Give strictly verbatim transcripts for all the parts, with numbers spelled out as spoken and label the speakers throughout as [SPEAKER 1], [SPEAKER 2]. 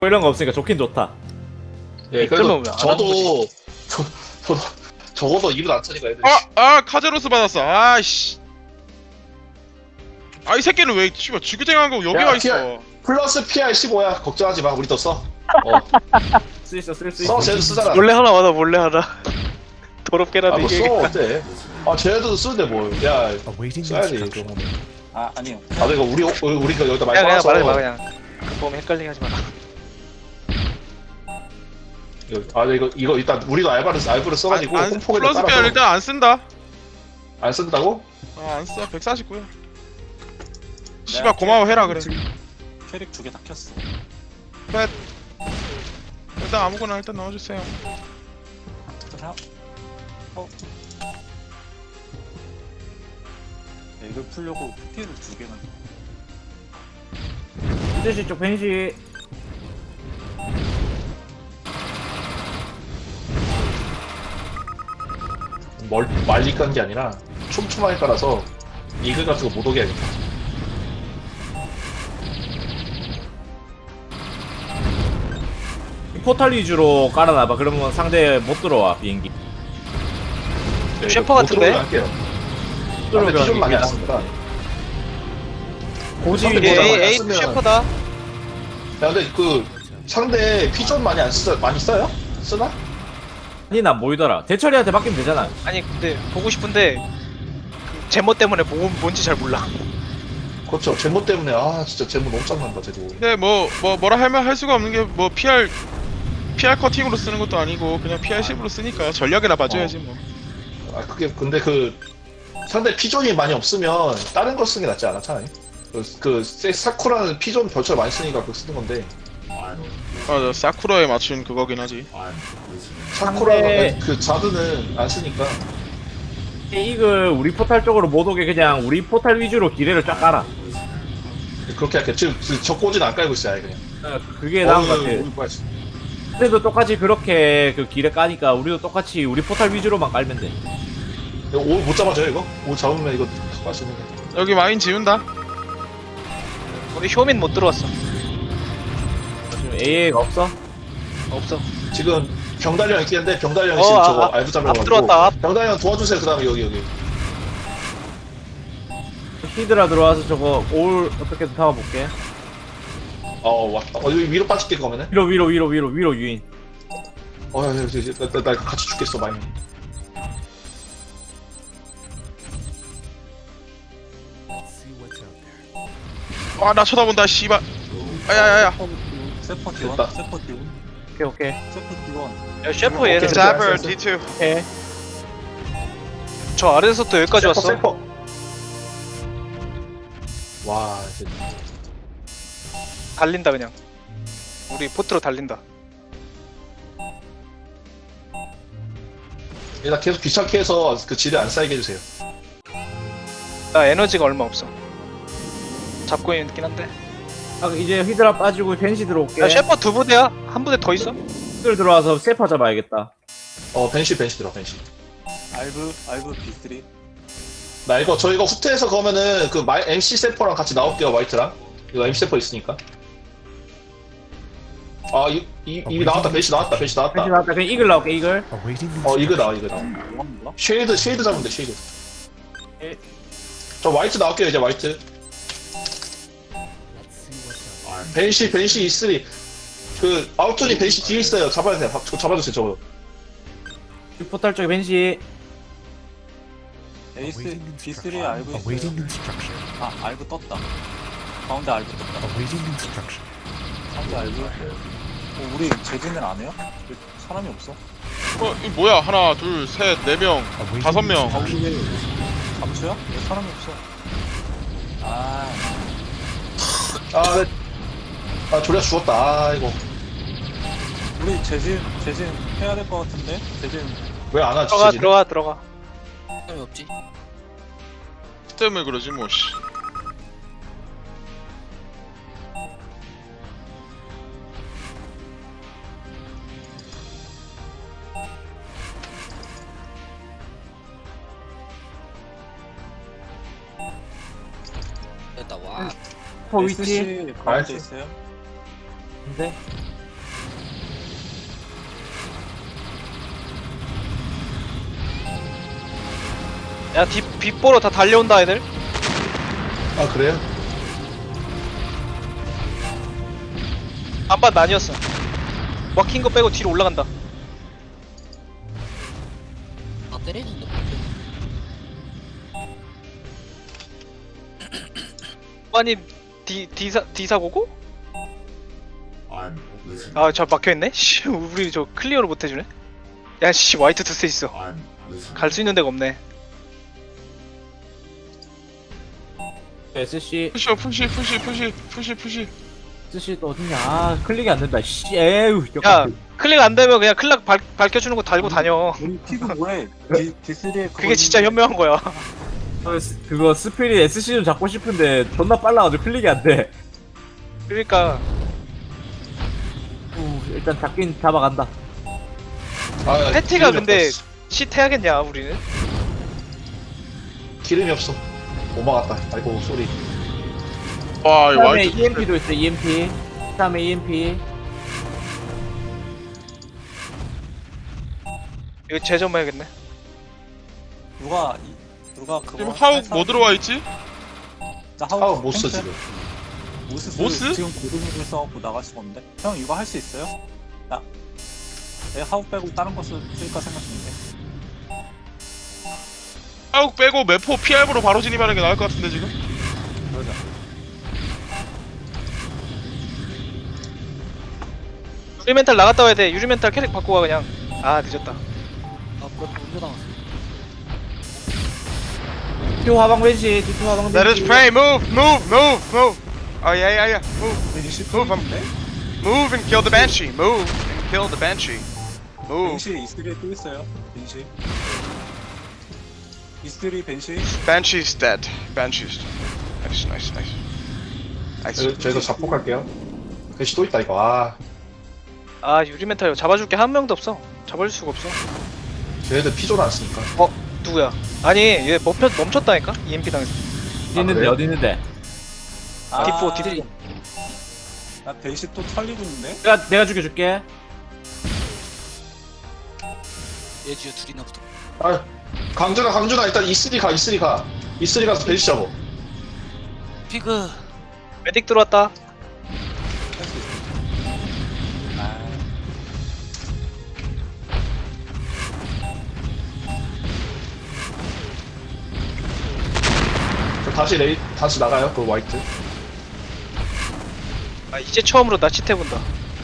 [SPEAKER 1] 뭐 이런 거 없으니까 좋긴 좋다.
[SPEAKER 2] 예,
[SPEAKER 3] 그러면
[SPEAKER 2] 그래도
[SPEAKER 3] 왜안 하는
[SPEAKER 2] 저도 저, 저도 적어도 입을 안 차니까 애들이.
[SPEAKER 4] 아! 아! 카제로스 받았어. 아이씨. 아 이 새끼는 왜 씨발 지그재그한 거 여기
[SPEAKER 2] 야,
[SPEAKER 4] 와 있어.
[SPEAKER 2] 피알. 플러스 피알 십오야. 걱정하지 마. 우리 또 써. 어.
[SPEAKER 1] 쓸 수 있어, 쓸 수
[SPEAKER 2] 써.
[SPEAKER 1] 있어.
[SPEAKER 2] 쟤도 쓰잖아.
[SPEAKER 3] 몰래 하나 와다 몰래 하나. 더럽게라도
[SPEAKER 2] 아, 뭐
[SPEAKER 3] 이게.
[SPEAKER 2] 써. 어때? 아, 쟤네도 쓰는데 뭘. 야,
[SPEAKER 5] Awaiting
[SPEAKER 2] 써야지.
[SPEAKER 5] instruction.
[SPEAKER 2] 그런 거.
[SPEAKER 6] 아 아니요.
[SPEAKER 2] 아, 이거 우리 우리가 여기다 많이
[SPEAKER 3] 그냥 그냥
[SPEAKER 2] 써놔서.
[SPEAKER 3] 말해 봐 그냥. 그 보면 헷갈리게 하지 마라.
[SPEAKER 2] 이거, 아, 이거 이거 일단 우리도 알바를 알바를 써가지고
[SPEAKER 4] 안, 안,
[SPEAKER 2] 홈폭에다
[SPEAKER 4] 플러스
[SPEAKER 2] 깔아서
[SPEAKER 4] 피알 일단 안 쓴다.
[SPEAKER 2] 안 쓴다고?
[SPEAKER 4] 아 안 써. 백사십구야. 씨발 고마워 해라 그래.
[SPEAKER 6] 캐릭 두 개 다 켰어.
[SPEAKER 4] 일단 아무거나 일단 넣어주세요.
[SPEAKER 6] 자, 어. 네, 이걸 풀려고 피를 두 개만.
[SPEAKER 1] 이제시 쪽 벤시.
[SPEAKER 2] 멀 말리 깐 게 아니라 촘촘하게 깔아서 이글 같은 거 못 오게 하겠다.
[SPEAKER 1] 포탈 위주로 깔아놔봐. 그러면 상대 못 들어와 비행기.
[SPEAKER 2] 네,
[SPEAKER 3] 셰퍼
[SPEAKER 2] 못
[SPEAKER 3] 같은데?
[SPEAKER 2] 들어오게 할게요. 아, 근데 피좀 많이 안 쓴다.
[SPEAKER 1] 고지
[SPEAKER 2] 상대
[SPEAKER 3] 이게
[SPEAKER 2] 모자
[SPEAKER 1] 위주로.
[SPEAKER 2] 많이
[SPEAKER 3] 에이
[SPEAKER 2] 쓰면-
[SPEAKER 3] 셰퍼다.
[SPEAKER 2] 야, 근데 그 상대 피좀 많이 안 쓰, 많이 써요? 쓰나?
[SPEAKER 1] 아니 난 모이더라. 대철이한테 맡기면 되잖아.
[SPEAKER 3] 아니 근데 보고 싶은데 그 제모 때문에 뭐, 뭔지 잘 몰라.
[SPEAKER 2] 그렇죠. 제모 때문에 아 진짜 제모 너무 짱난다 쟤도.
[SPEAKER 4] 근데 뭐 뭐 뭐라 할만 할 수가 없는 게 뭐 피알 피알 커팅으로 쓰는 것도 아니고 그냥 피알 십으로 쓰니까 전략이나 봐줘야지 뭐.
[SPEAKER 2] 아 그게 근데 그 상대 피존이 많이 없으면 다른 거 쓰는 게 낫지 않아 차라리? 그, 그 세- 사쿠라는 피존 별처럼 많이 쓰니까 그거 쓰는 건데
[SPEAKER 4] 맞아 사쿠라에 맞춘 그거긴 하지.
[SPEAKER 2] 사쿠라가
[SPEAKER 1] 상대-
[SPEAKER 2] 그 자드는 안 쓰니까.
[SPEAKER 1] 이글 우리 포탈 쪽으로 못 오게 그냥 우리 포탈 위주로 기뢰를 쫙 깔아.
[SPEAKER 2] 그렇게 할게. 지금 그 적고지는 안 깔고 있어요 아예 그냥.
[SPEAKER 1] 어, 그게 나은 것
[SPEAKER 2] 어우,
[SPEAKER 1] 같아.
[SPEAKER 2] 우리 뭐야, 진짜.
[SPEAKER 1] 그래도 똑같이 그렇게 그 기뢰 까니까 우리도 똑같이 우리 포탈 위주로만 깔면 돼.
[SPEAKER 2] 이거 오 못 잡아줘요 이거? 오 잡으면 이거 할 수 있는데.
[SPEAKER 4] 여기 마인 지운다.
[SPEAKER 3] 우리 효민 못 들어왔어.
[SPEAKER 1] 지금 에이에이가 없어?
[SPEAKER 3] 없어.
[SPEAKER 2] 지금 병달령 있겠는데 병달령이
[SPEAKER 3] 어,
[SPEAKER 2] 지금
[SPEAKER 3] 아,
[SPEAKER 2] 저거
[SPEAKER 3] 아,
[SPEAKER 2] 알부 잡으려고
[SPEAKER 3] 앞 들어왔다, 앞.
[SPEAKER 2] 병달령 도와주세요. 그 다음에 여기 여기.
[SPEAKER 1] 히드라 들어와서 저거 올 어떻게든 잡아볼게.
[SPEAKER 2] 어 왔다. 어 여기 위로 빠질게 그러면은.
[SPEAKER 1] 위로 위로 위로 위로 위로 유인.
[SPEAKER 2] 어, 야, 야, 야, 나, 나, 나 같이 죽겠어 많이.
[SPEAKER 4] 아 나 쳐다본다 씨발. 아야야야.
[SPEAKER 6] 세퍼
[SPEAKER 2] 됐다.
[SPEAKER 6] 디원, 세퍼 디원,
[SPEAKER 1] 오케이 오케이
[SPEAKER 6] 세퍼 디원.
[SPEAKER 3] 야 셰퍼 얘는
[SPEAKER 2] 오케이.
[SPEAKER 4] 자버 디 투.
[SPEAKER 1] 오케이.
[SPEAKER 3] 저 아래에서부터 여기까지 왔어.
[SPEAKER 2] 세퍼. 와, 이제
[SPEAKER 3] 달린다 그냥. 우리 포트로 달린다.
[SPEAKER 2] 일단 계속 귀찮게 해서 그 지뢰 안 쌓이게 해주세요.
[SPEAKER 3] 나 에너지가 얼마 없어. 잡고 있긴 한데.
[SPEAKER 1] 아, 이제 히드라 빠지고 벤시 들어올게.
[SPEAKER 3] 야 셰퍼 두 부대야? 한 부대 더 있어?
[SPEAKER 1] 히들 들어와서 세파 잡아야겠다.
[SPEAKER 2] 어, 벤시, 벤시 들어, 벤시.
[SPEAKER 6] 알브, 알브 비 쓰리.
[SPEAKER 2] 나 이거, 저 이거 후퇴해서 그러면은 그 마이, 엠씨 세퍼랑 같이 나올게요, 화이트랑. 이거 엠씨 세퍼 있으니까. 아, 이, 이, 이미 나왔다, 벤시 나왔다, 벤시 나왔다.
[SPEAKER 1] 벤시 나왔다. 그냥 이글 나올게 이글.
[SPEAKER 5] Awaiting
[SPEAKER 2] 어, 이거
[SPEAKER 5] instruction.
[SPEAKER 2] 나와, 이거 나와.
[SPEAKER 6] 뭐가 몰라?
[SPEAKER 2] 쉐이드, 쉐이드 잡으면 돼, 쉐이드.
[SPEAKER 1] 에.
[SPEAKER 2] 저 화이트 나올게요, 이제 화이트. 벤시, 벤시 이쓰리. 그, 아웃존이 벤시 뒤에 있어요. 잡아야 돼요. 저 잡아주세요, 저거.
[SPEAKER 1] 이 포탈 쪽에 벤시.
[SPEAKER 6] 에이스
[SPEAKER 5] Awaiting
[SPEAKER 6] 비 쓰리
[SPEAKER 5] instruction.
[SPEAKER 6] 알브
[SPEAKER 5] Awaiting
[SPEAKER 6] 있어요.
[SPEAKER 5] instruction.
[SPEAKER 6] 아 알브 떴다. 가운데 알브 떴다.
[SPEAKER 5] Awaiting instruction.
[SPEAKER 6] 가운데 알브. 어, 우리 재진을 안 해요? 왜 사람이 없어?
[SPEAKER 4] 어, 이 뭐야? 하나, 둘, 셋, 네 명,
[SPEAKER 5] Awaiting
[SPEAKER 4] 다섯 명.
[SPEAKER 5] instruction.
[SPEAKER 6] 잠수야? 왜 사람이 없어? 아
[SPEAKER 2] 아, 네. 아, 조리아 죽었다. 아, 이거.
[SPEAKER 6] 우리 재진 재진 해야 될 것 같은데 재진.
[SPEAKER 2] 왜 안 하지,
[SPEAKER 3] 들어가
[SPEAKER 2] 지금?
[SPEAKER 3] 들어가 들어가.
[SPEAKER 4] 때문에 그러지 뭐 씨.
[SPEAKER 1] 포 위치.
[SPEAKER 6] 에스씨 가운데
[SPEAKER 2] 알지.
[SPEAKER 6] 있어요?
[SPEAKER 1] 근데
[SPEAKER 3] 야 뒷, 빗보러 다 달려온다 애들.
[SPEAKER 2] 아 그래요?
[SPEAKER 3] 반반 나뉘었어. 막힌 거 빼고 뒤로 올라간다.
[SPEAKER 5] 아 때리는데
[SPEAKER 3] 아니 디 디사 디사고고? 아 저 막혀있네? 씨 우리 저 클리어를 못해주네? 야씨 화이트 투스 있어. 갈 수 있는 데가 없네.
[SPEAKER 1] 에스씨
[SPEAKER 4] 푸시 푸시 푸시 푸시 푸시 푸시.
[SPEAKER 1] 에스씨 또 어딨냐? 아 클릭이 안 된다. 씨 에휴.
[SPEAKER 3] 야 클릭 안 되면 그냥 클락 밝, 밝혀주는 거 달고 다녀.
[SPEAKER 6] 우리 피그 뭐해? 디, 디스리에
[SPEAKER 3] 그게 진짜 현명한 거야.
[SPEAKER 1] 어, 스- 그거 스피릿 에스씨 좀 잡고 싶은데 존나 빨라가지고 클릭이 안 돼.
[SPEAKER 3] 그러니까
[SPEAKER 1] 우, 일단 잡긴 잡아간다.
[SPEAKER 2] 아,
[SPEAKER 3] 패티가
[SPEAKER 2] 기름이
[SPEAKER 3] 근데
[SPEAKER 2] 없다, 씨.
[SPEAKER 3] 쉿 해야겠냐 우리는?
[SPEAKER 2] 기름이 없어. 못 막았다. 아이고 소리.
[SPEAKER 4] 와, 이
[SPEAKER 1] 다음에
[SPEAKER 4] 와이트
[SPEAKER 1] 이엠피도 있어. 이엠피. 다음에 이엠피.
[SPEAKER 3] 이거 재점해야겠네.
[SPEAKER 6] 누가 이- 누가 그거
[SPEAKER 4] 지금 하욱
[SPEAKER 6] 할 사람-
[SPEAKER 4] 뭐 들어와 있지?
[SPEAKER 6] 나
[SPEAKER 2] 아
[SPEAKER 6] 하욱
[SPEAKER 2] 못 써
[SPEAKER 6] 탱크?
[SPEAKER 2] 지금.
[SPEAKER 6] 모스,
[SPEAKER 4] 모스?
[SPEAKER 6] 지금 고등학교 써갖고 나갈 수가 없는데? 형 이거 할 수 있어요? 나 내가 하욱 빼고 다른 거 쓸- 쓸까 생각 중인데.
[SPEAKER 4] 하욱 빼고 매포 피알브로 바로 진입하는 게 나을 것 같은데 지금?
[SPEAKER 6] 그러자.
[SPEAKER 3] 유리 멘탈 나갔다 와야 돼. 유리 멘탈 캐릭 바꾸고 가 그냥. 아 늦었다.
[SPEAKER 5] 아 그것도 운전 당했어.
[SPEAKER 1] 뒤 화방 벤시. 뒤 화방 벤시.
[SPEAKER 4] Let us pray. Move, move, move, move. Oh yeah, yeah, yeah. Move,
[SPEAKER 6] 벤시
[SPEAKER 4] move, um, move and kill the banshee. Move and kill the banshee. Move.
[SPEAKER 6] 벤시 이스트리에 또 있어요. 벤시. 이스트리 벤시.
[SPEAKER 4] Banshee's dead. Banshee's dead. Nice, nice, nice. Nice.
[SPEAKER 2] 저- 저희도 자폭할게요. 글씨 또 있다 이거. 아,
[SPEAKER 3] 아 유리 멘탈 잡아줄 게 한 명도 없어. 잡아줄 수가 없어.
[SPEAKER 2] 쟤네들 피존 안 쓰니까.
[SPEAKER 3] 누구야? 아니 얘 멈췄 멈췄다니까? 이엠피 당해서.
[SPEAKER 1] 어디 있는데?
[SPEAKER 2] 그래요?
[SPEAKER 1] 어디 있는데?
[SPEAKER 6] 아,
[SPEAKER 3] 디포 디포.
[SPEAKER 6] 나 벤시 또 털리고 있는데?
[SPEAKER 1] 내가 내가 죽여줄게.
[SPEAKER 5] 예지유 둘이나 붙어.
[SPEAKER 2] 아, 강준아 강준아 일단 이쓰리 가 이쓰리 가. 이쓰리 가서 벤시 잡어.
[SPEAKER 5] 피그
[SPEAKER 3] 메딕 들어왔다.
[SPEAKER 6] 할 수 있어. 아,
[SPEAKER 2] 저 다시 레이 다시 나가요 그 화이트.
[SPEAKER 3] 아 이제 처음으로 나 쉿 해본다.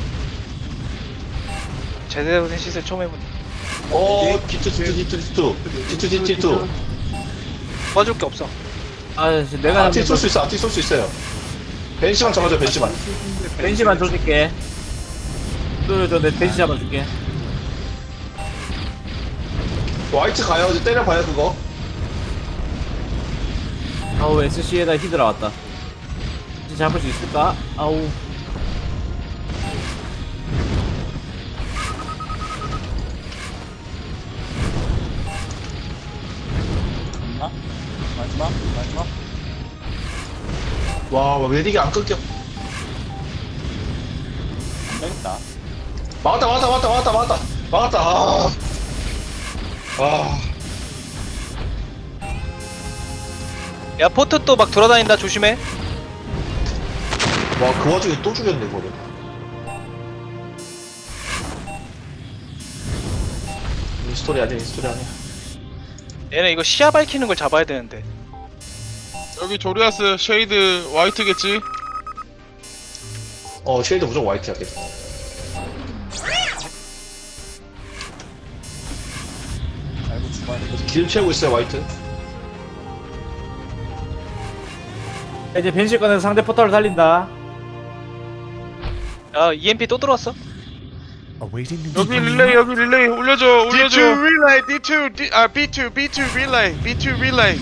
[SPEAKER 3] 제대로 된 쉿을 처음 해본다.
[SPEAKER 2] 어, 디투 디투 디투 디투 디투 디투 디투.
[SPEAKER 3] 도와줄 게 없어.
[SPEAKER 1] 아 씨, 내가
[SPEAKER 2] 아티 쏠 수 있어 아티 쏠 수 있어요. 벤시만 잡아줘 벤시만.
[SPEAKER 1] 벤시만 줘줄게. 저내 벤시 잡아줄게.
[SPEAKER 2] 화이트 가요 이제 때려봐요 그거.
[SPEAKER 1] 아우 에스씨에다 히드라 왔다. 진짜 잡을 수 있을까? 아우.
[SPEAKER 6] 됐나? 마지막? 마지막?
[SPEAKER 2] 와 웨딕이 안 끊겨.
[SPEAKER 6] 안 되겠다.
[SPEAKER 2] 막았다 막았다 막았다 막았다 막았다 막았다. 아. 아.
[SPEAKER 3] 야 포트 또 막 돌아다닌다 조심해.
[SPEAKER 2] 와 그 와중에 또 죽였네 이거를. 이 스토리 아니야 이 스토리 아니야.
[SPEAKER 3] 얘네 이거 시야 밝히는 걸 잡아야 되는데.
[SPEAKER 4] 여기 조리아스 쉐이드 화이트겠지?
[SPEAKER 2] 어 쉐이드 무조건 화이트야 걔.
[SPEAKER 6] 알고 죽어야 돼.
[SPEAKER 2] 기름 채우고 있어요 화이트.
[SPEAKER 1] 이제 벤시 꺼내서 상대 포탈을 살린다.
[SPEAKER 3] 야 이엠피 또 들어왔어?
[SPEAKER 4] 여기 릴레이 여기 릴레이 올려줘 올려줘. D two relay D two D, 아 B two B two relay B two relay.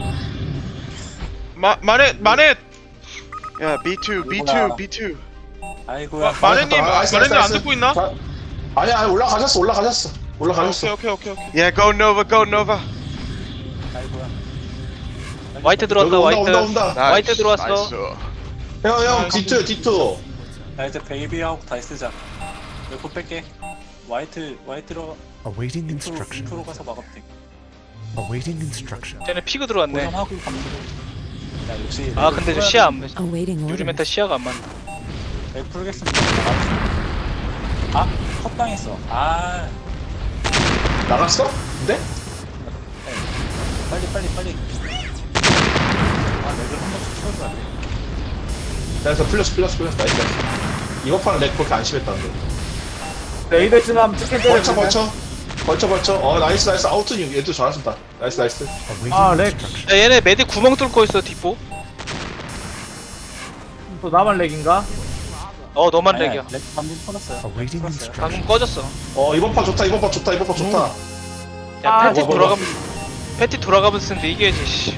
[SPEAKER 4] 마 마넷 마넷. 야 B two B two B two.
[SPEAKER 6] 아이고야.
[SPEAKER 4] 마- 마넷님
[SPEAKER 2] 아, 알았어,
[SPEAKER 4] 마넷님
[SPEAKER 2] 알았어,
[SPEAKER 4] 안
[SPEAKER 2] 알았어.
[SPEAKER 4] 듣고 있나?
[SPEAKER 2] 자, 아니야 아니, 올라가셨어 올라가셨어 올라가셨어.
[SPEAKER 4] 오케이 오케이 오케이 오케이. Yeah, go Nova, go Nova.
[SPEAKER 6] 아이고야.
[SPEAKER 3] 화이트 들어왔다.
[SPEAKER 2] 여기
[SPEAKER 3] 화이트.
[SPEAKER 2] 온다 온다 온다.
[SPEAKER 3] 화이트 들어왔어.
[SPEAKER 2] 형형 디투 디투.
[SPEAKER 6] 나 이제 베이비하고 다시 쓰자. 웨포 뺄게. 화이트, 화이트로
[SPEAKER 7] Awaiting
[SPEAKER 6] 인프로,
[SPEAKER 7] instruction.
[SPEAKER 6] 인프로 가서 막으면 돼.
[SPEAKER 7] Awaiting instruction.
[SPEAKER 3] 쟤네 피그 들어왔네.
[SPEAKER 6] 고정하고 가면 돼. 야 역시.
[SPEAKER 3] 아 근데 저 시야 안 맞.
[SPEAKER 8] Awaiting
[SPEAKER 3] 유리 메타
[SPEAKER 8] orders.
[SPEAKER 3] 시야가 안 맞네.
[SPEAKER 6] 네, 풀겠습니다. 아, 컷 당했어. 아,
[SPEAKER 2] 나갔어? 근데?
[SPEAKER 6] 네. 빨리 빨리 빨리. 아, 렉을 한 번씩 치워줘야 돼.
[SPEAKER 2] 그래서 풀렸어 풀렸어 풀렸어 나이스 나이스. 이번 판은 렉 그렇게 안 심했다는데.
[SPEAKER 1] 레이더 있으면 치킨 때려.
[SPEAKER 2] 벌쳐 벌쳐 벌쳐 벌쳐. 어 나이스 나이스. 아웃은 얘도 잘하신다. 나이스 나이스.
[SPEAKER 7] Awaiting
[SPEAKER 1] 아, 렉.
[SPEAKER 7] instruction.
[SPEAKER 3] 야 얘네 메딕 구멍 뚫고 있어 뒷보.
[SPEAKER 1] 또 나만 렉인가?
[SPEAKER 3] 어 너만
[SPEAKER 6] 아니야,
[SPEAKER 3] 렉이야.
[SPEAKER 6] 렉 방금 풀었어요.
[SPEAKER 7] Awaiting
[SPEAKER 6] 풀었어요.
[SPEAKER 3] 방금
[SPEAKER 7] instruction.
[SPEAKER 3] 꺼졌어.
[SPEAKER 2] 어 이번 판 좋다 이번 판 좋다 이번 판 좋다.
[SPEAKER 3] 야
[SPEAKER 1] 아,
[SPEAKER 3] 패티
[SPEAKER 2] 뭐, 뭐,
[SPEAKER 3] 돌아가면 패티 돌아가면서 쓰는데 이겨야지. 씨.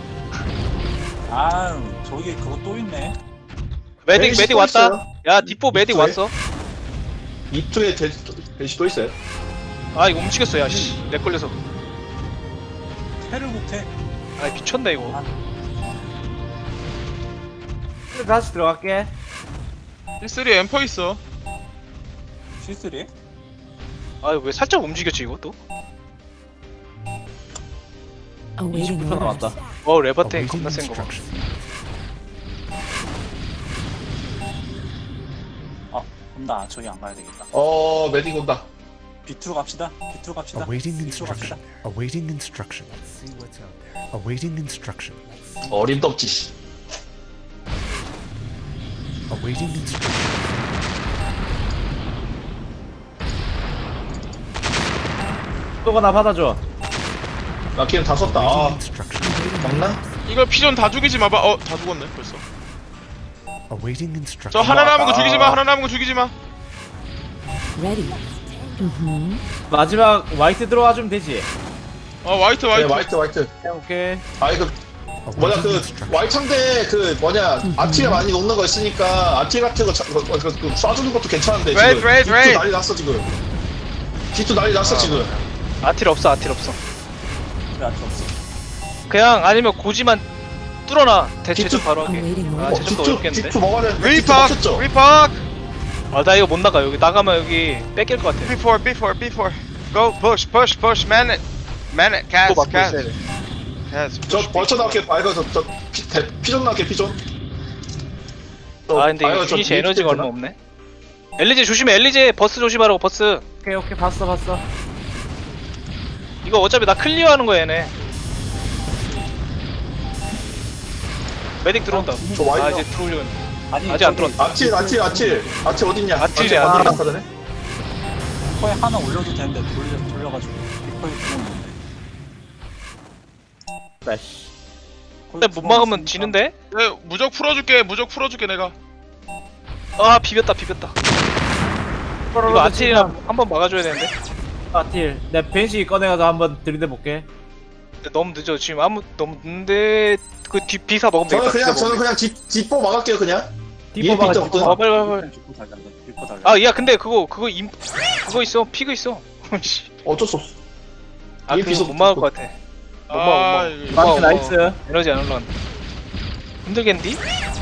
[SPEAKER 6] 아, 저기 그거 또 있네.
[SPEAKER 3] 메딕
[SPEAKER 2] 벤시
[SPEAKER 3] 메딕
[SPEAKER 2] 또
[SPEAKER 3] 왔다.
[SPEAKER 2] 있어요.
[SPEAKER 3] 야 뒷보 메딕
[SPEAKER 2] 이투에?
[SPEAKER 3] 왔어.
[SPEAKER 2] 이투에 벤시 또 있어요.
[SPEAKER 3] 아 이거 움직였어. 야씨 렉 걸려서.
[SPEAKER 6] 해를 못해.
[SPEAKER 3] 아 미쳤네 이거.
[SPEAKER 1] 다시 들어갈게.
[SPEAKER 4] 실쓰리 엠퍼 있어.
[SPEAKER 6] 실수리?
[SPEAKER 3] 아 왜 살짝 움직였지 이거 또?
[SPEAKER 8] Awaiting
[SPEAKER 1] 이십 분
[SPEAKER 8] orders.
[SPEAKER 1] 남았다.
[SPEAKER 3] 어 레버탱
[SPEAKER 7] Awaiting
[SPEAKER 3] 겁나 센 거 봐.
[SPEAKER 7] instruction.
[SPEAKER 6] 아, 그럼 나 저기 안 가야 되겠다.
[SPEAKER 2] 어 메딕 온다.
[SPEAKER 6] 비투로 갑시다. 비투로 갑시다.
[SPEAKER 7] Awaiting
[SPEAKER 6] 비투로 갑시다.
[SPEAKER 7] instruction. Awaiting instruction. Awaiting instruction.
[SPEAKER 2] 어림도 없지. 씨.
[SPEAKER 7] Awaiting instruction.
[SPEAKER 1] 또가 나 받아줘.
[SPEAKER 2] 나 기름 다 썼다.
[SPEAKER 7] Awaiting
[SPEAKER 2] 아
[SPEAKER 7] instruction.
[SPEAKER 2] 맞나?
[SPEAKER 4] 이거 피존 다 죽이지 마봐. 어, 다 죽었네 벌써.
[SPEAKER 7] Awaiting
[SPEAKER 4] 저
[SPEAKER 7] instruction.
[SPEAKER 4] 하나 남은 거
[SPEAKER 2] 아.
[SPEAKER 4] 죽이지 마. 하나 남은 거 죽이지 마.
[SPEAKER 8] Ready. Mm-hmm.
[SPEAKER 1] 마지막 화이트 들어와주면 되지.
[SPEAKER 4] 어, 화이트
[SPEAKER 2] 네
[SPEAKER 4] 화이트.
[SPEAKER 2] 화이트 화이트.
[SPEAKER 1] 오케이.
[SPEAKER 2] 아이 그 뭐냐
[SPEAKER 7] Awaiting
[SPEAKER 2] 그
[SPEAKER 7] instruction.
[SPEAKER 2] 와이트 상대 그 뭐냐 아티에 많이 녹는 거 있으니까 아티 같은 거 차- 그, 그, 그 쏴주는 것도 괜찮은데
[SPEAKER 4] 레드,
[SPEAKER 2] 지금
[SPEAKER 4] 레드,
[SPEAKER 2] 디투
[SPEAKER 4] 레드.
[SPEAKER 2] 난리 났어 지금. 디투 난리 났어 지금.
[SPEAKER 3] 아틸 없어 아틸 없어.
[SPEAKER 6] 왜 아직 없어?
[SPEAKER 3] 그냥 아니면 고지만 뚫어놔. 대체 좀
[SPEAKER 2] 디투-
[SPEAKER 3] 바로 하게.
[SPEAKER 8] Awaiting
[SPEAKER 3] 아
[SPEAKER 8] orders.
[SPEAKER 3] 제좀더
[SPEAKER 2] 디투
[SPEAKER 3] 어렵겠는데?
[SPEAKER 2] 디투 먹어야 되는데 디투
[SPEAKER 4] 리팍
[SPEAKER 2] 먹혔죠?
[SPEAKER 4] 리팍.
[SPEAKER 3] 아 나 이거 못 나가. 여기 나가면 여기 뺏길 것 같아.
[SPEAKER 4] B four B four B four. Go push push push man it. Man it
[SPEAKER 3] 또
[SPEAKER 4] cast
[SPEAKER 3] 막고 있어야
[SPEAKER 4] cast.
[SPEAKER 3] 돼.
[SPEAKER 4] cast.
[SPEAKER 2] 저 벌쳐 나올게. 아이고 저저 피존 나올게 피존. 저-
[SPEAKER 3] 아 근데 이거
[SPEAKER 2] 아이고, 저
[SPEAKER 3] 주니시 에너지가
[SPEAKER 2] 되나?
[SPEAKER 3] 얼마 없네. 엘리제 조심해. 엘리제 버스 조심하라고 버스.
[SPEAKER 1] 오케이 오케이 봤어 봤어.
[SPEAKER 3] 이거 어차피 나 클리어하는 거야 얘네. 메딕 들어온다.
[SPEAKER 2] 저 와이드
[SPEAKER 3] 아 이제 들어오려고 했는데.
[SPEAKER 6] 아니,
[SPEAKER 3] 아직 안
[SPEAKER 6] 저기
[SPEAKER 3] 들어왔다.
[SPEAKER 2] 아틸 아틸 아틸 아틸 어딨냐?
[SPEAKER 3] 아틸이
[SPEAKER 2] 아틸
[SPEAKER 3] 안
[SPEAKER 2] 나타나네.
[SPEAKER 6] 비퍼에 하나 올려도 되는데 돌려 돌려가지고 비퍼에 구멍 있는데.
[SPEAKER 1] 나씨.
[SPEAKER 3] 근데 못 막으면 지는데?
[SPEAKER 4] 네, 무적 풀어줄게. 무적 풀어줄게 내가.
[SPEAKER 3] 아 비볐다 비볐다. 이거 아틸이나 한번 막아줘야 되는데.
[SPEAKER 1] 아틸. 내 벤시 꺼내가서 한번 들이대 볼게.
[SPEAKER 3] 근데 너무 늦어 지금 아무 너무 늦는데 그 뒤 비사 먹으면
[SPEAKER 2] 저는
[SPEAKER 3] 되겠다.
[SPEAKER 2] 그냥
[SPEAKER 3] 비사
[SPEAKER 2] 저는
[SPEAKER 3] 먹으면
[SPEAKER 2] 그냥 뒷 뒷보 막을게요 그냥.
[SPEAKER 1] 디포
[SPEAKER 2] 이
[SPEAKER 1] 막아
[SPEAKER 2] 빗대
[SPEAKER 1] 디포
[SPEAKER 2] 없거든.
[SPEAKER 3] 되겠다. 어
[SPEAKER 1] 막아.
[SPEAKER 3] 빨리 빨리 빨리.
[SPEAKER 6] 비퍼 달라. 비퍼 달라.
[SPEAKER 3] 아 야 근데 그거 그거 임 그거 있어 피그 있어. 씨.
[SPEAKER 2] 어쩔 수 없어.
[SPEAKER 3] 아
[SPEAKER 2] 이
[SPEAKER 3] 그거
[SPEAKER 2] 비서
[SPEAKER 3] 못 막을 것 같아. 못 막아 못
[SPEAKER 4] 아,
[SPEAKER 3] 막아.
[SPEAKER 4] 이거-
[SPEAKER 3] 못 막아, 못
[SPEAKER 1] 나이스
[SPEAKER 3] 막아.
[SPEAKER 1] 나이스.
[SPEAKER 3] 에너지 안 올라간다. 힘들겠는디?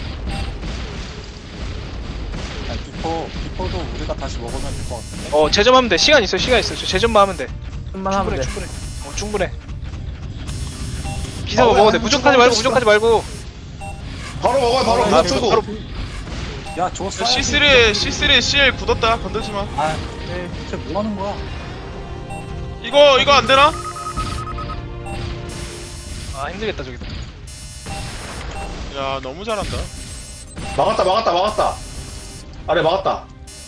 [SPEAKER 6] 아니, 비퍼 비퍼도 우리가 다시 먹으면 될 것 같은데.
[SPEAKER 3] 어 재점하면 돼. 시간 있어 시간 있어. 저 재점만 하면 돼.
[SPEAKER 1] 좀만 하면
[SPEAKER 3] 충분해
[SPEAKER 1] 돼.
[SPEAKER 3] 충분해. 어 충분해. 비사가
[SPEAKER 2] 아, 왜
[SPEAKER 3] 먹어도 돼.
[SPEAKER 2] 안
[SPEAKER 3] 무적하지 말고
[SPEAKER 2] 죽어?
[SPEAKER 3] 무적하지 말고.
[SPEAKER 2] 바로 먹어요 바로
[SPEAKER 6] 아,
[SPEAKER 2] 무적
[SPEAKER 3] 바로-
[SPEAKER 2] 쓰고.
[SPEAKER 3] 바로
[SPEAKER 6] 야, 저거 쏴야지.
[SPEAKER 4] C 쓰리 C 쓰리 씨엘 굳었다. 건들지 마.
[SPEAKER 6] 아, 대체 뭐 하는 거야?
[SPEAKER 4] 이거 이거 안 되나?
[SPEAKER 3] 아 힘들겠다 저기도.
[SPEAKER 4] 야, 너무 잘한다.
[SPEAKER 2] 막았다 막았다 막았다. 아래 막았다.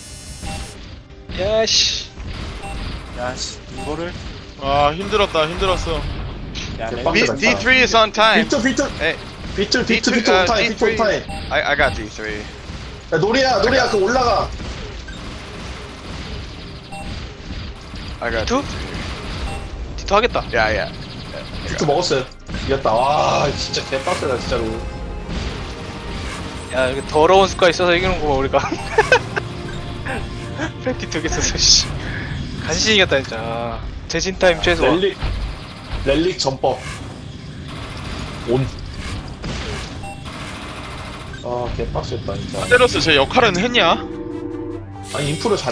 [SPEAKER 3] 야씨.
[SPEAKER 6] 야, 씨, 이거를.
[SPEAKER 4] 아, 힘들었다. 힘들었어.
[SPEAKER 6] 야, 렉.
[SPEAKER 2] B-
[SPEAKER 4] D three is on time.
[SPEAKER 2] 비트 비트
[SPEAKER 4] 에.
[SPEAKER 2] 비트 비트
[SPEAKER 4] D three,
[SPEAKER 2] 비트
[SPEAKER 4] 아,
[SPEAKER 2] 온타임 비트
[SPEAKER 4] D three.
[SPEAKER 2] 온타임.
[SPEAKER 4] I I got D three.
[SPEAKER 2] 야 노리야 노리야 그 올라가.
[SPEAKER 4] I got
[SPEAKER 3] 투? 디토 하겠다.
[SPEAKER 4] Yeah, yeah.
[SPEAKER 2] 비트 먹었어요. 이겼다. 와 진짜 개빡세다 진짜로.
[SPEAKER 3] 야 여기 더러운 습관 있어서 이기는 거봐 우리가. 패티 두개 써서 씨. 간신히 이겼다 진짜. 재진 타임 최소.
[SPEAKER 2] 렐릭 렐릭 전법 온. 아 개빡셌다 진짜.
[SPEAKER 4] 테러스 제 역할은 했냐?
[SPEAKER 2] 아니 인프를 잘